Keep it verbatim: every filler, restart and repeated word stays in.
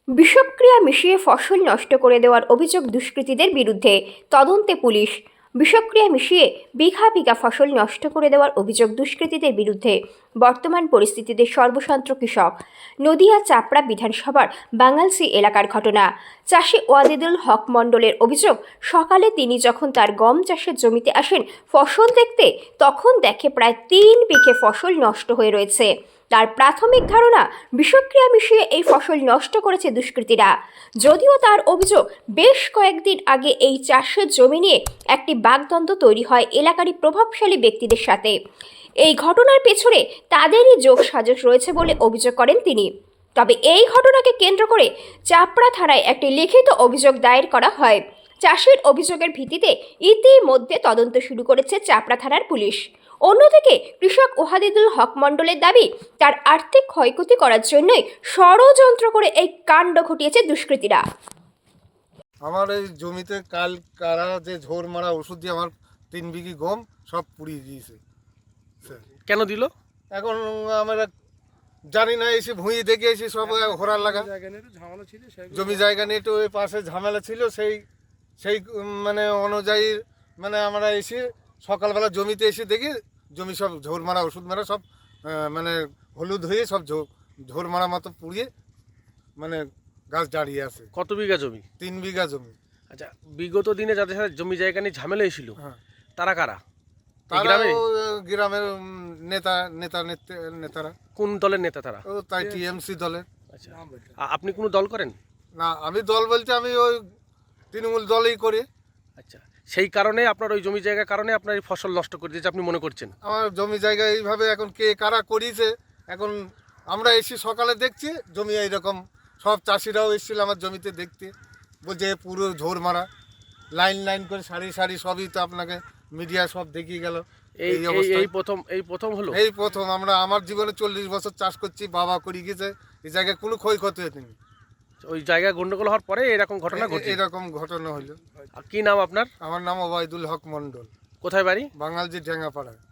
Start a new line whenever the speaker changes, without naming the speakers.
বিষক্রিয়া মিশিয়ে ফসল নষ্ট করে দেওয়ার অভিযোগ দুষ্কৃতীদের বিরুদ্ধে, তদন্তে পুলিশ। বিষক্রিয়া মিশিয়ে বিঘা বিঘা ফসল নষ্ট করে দেওয়ার অভিযোগ দুষ্কৃতীদের বিরুদ্ধে। বর্তমান পরিস্থিতিতে সর্বশান্ত কৃষক। নদিয়া চাপড়া বিধানসভার বাঙালসি এলাকার ঘটনা। চাষি ওয়াদিদুল হক মণ্ডলের অভিযোগ, সকালে তিনি যখন তার গম চাষের জমিতে আসেন ফসল দেখতে, তখন দেখে প্রায় তিন বিঘে ফসল নষ্ট হয়ে রয়েছে। তার প্রাথমিক ধারণা, বিষক্রিয়া মিশিয়ে এই ফসল নষ্ট করেছে দুষ্কৃতীরা। যদিও তার অভিযোগ, বেশ কয়েকদিন আগে এই চাষের জমি নিয়ে একটি বাগদ্বন্দ্ব তৈরি হয় এলাকারই প্রভাবশালী ব্যক্তিদের সাথে। এই ঘটনার পেছনে তাদেরই যোগসাজশ রয়েছে বলে অভিযোগ করেন তিনি। তবে এই ঘটনাকে কেন্দ্র করে চাপড়া থানায় একটি লিখিত অভিযোগ দায়ের করা হয়। চাষির অভিযোগের ভিত্তিতে ইতিমধ্যে তদন্ত শুরু করেছে চাপড়া থানার পুলিশ। অন্যদিকে কৃষক ওয়াদিদুল হক মণ্ডলের দাবি, তার আর্থিক ক্ষয়ক্ষতি করার জন্যই ষড়যন্ত্র করে এই কাণ্ড ঘটিয়েছে দুষ্কৃতীরা।
আমার এই জমিতে কাল কারা যে ঝোর মারা ওষুধ দিয়ে আমার তিন বিঘি গম সব পুড়িয়ে দিয়েছে।
কেন দিল?
এখন আমরা জানি না, এসে ভুঁয়ে দেখে এসে সব ঘোরার লাগা জমি জায়গা নিয়ে একটু ওই পাশে ঝামেলা ছিল, সেই সেই মানে অনুযায়ী মানে আমরা এসে সকালবেলা জমিতে এসে দেখি জমি সব ঝোর মারা ওষুধ মারা সব মানে হলুদ হয়ে সব ঝোর মারা মতো পুড়িয়ে মানে গাছ দাঁড়িয়ে আছে।
কত বিঘা জমি?
তিন বিঘা জমি।
আচ্ছা, বিগত দিনে যাদের সাথে জমি জায়গা নিয়ে ঝামেলা হয়েছিল,
হ্যাঁ,
তারা কারা?
তারাও গ্রামের নেতা নেতা নেতারা।
কোন দলের নেতা তারা?
ও তাই টিএমসি দলের।
আচ্ছা, আ- আপনি কোনো দল করেন?
না, আমি দল বলতে আমি ওই তৃণমূল দলই করি।
আচ্ছা, সেই কারণে আপনার ওই জমি জায়গার কারণে আপনার এই ফসল নষ্ট করে দিয়েছে আপনি মনে করছেন?
আমার জমি জায়গা এইভাবে এখন কে কারা করিয়েছে, এখন আমরা এসে সকালে দেখছি জমি এইরকম। সব চাষিরাও এসেছিল আমার জমিতে দেখতে, বলছে পুরো ঝোর মারা, লাইন লাইন করে সারি সারি, সবই তো আপনাকে মিডিয়া সব দেখিয়ে গেল।
এই
এই
এই-
অবস্থা
এই প্রথম এই প্রথম হলো?
এই প্রথম। আমরা আমার জীবনে চল্লিশ বছর চাষ করছি, বাবা করে গেছে, এই জায়গায় কোনো ক্ষয়ক্ষতি হয়নি।
ওই জায়গায় গন্ডগোল হওয়ার পরে এরকম ঘটনা ঘটে?
এরকম ঘটনা হলো।
আর কি নাম আপনার?
আমার নাম ওবায়দুল হক মণ্ডল,
কোথায় বাড়ি?
বাঙালজি ঢেঙ্গাপাড়া।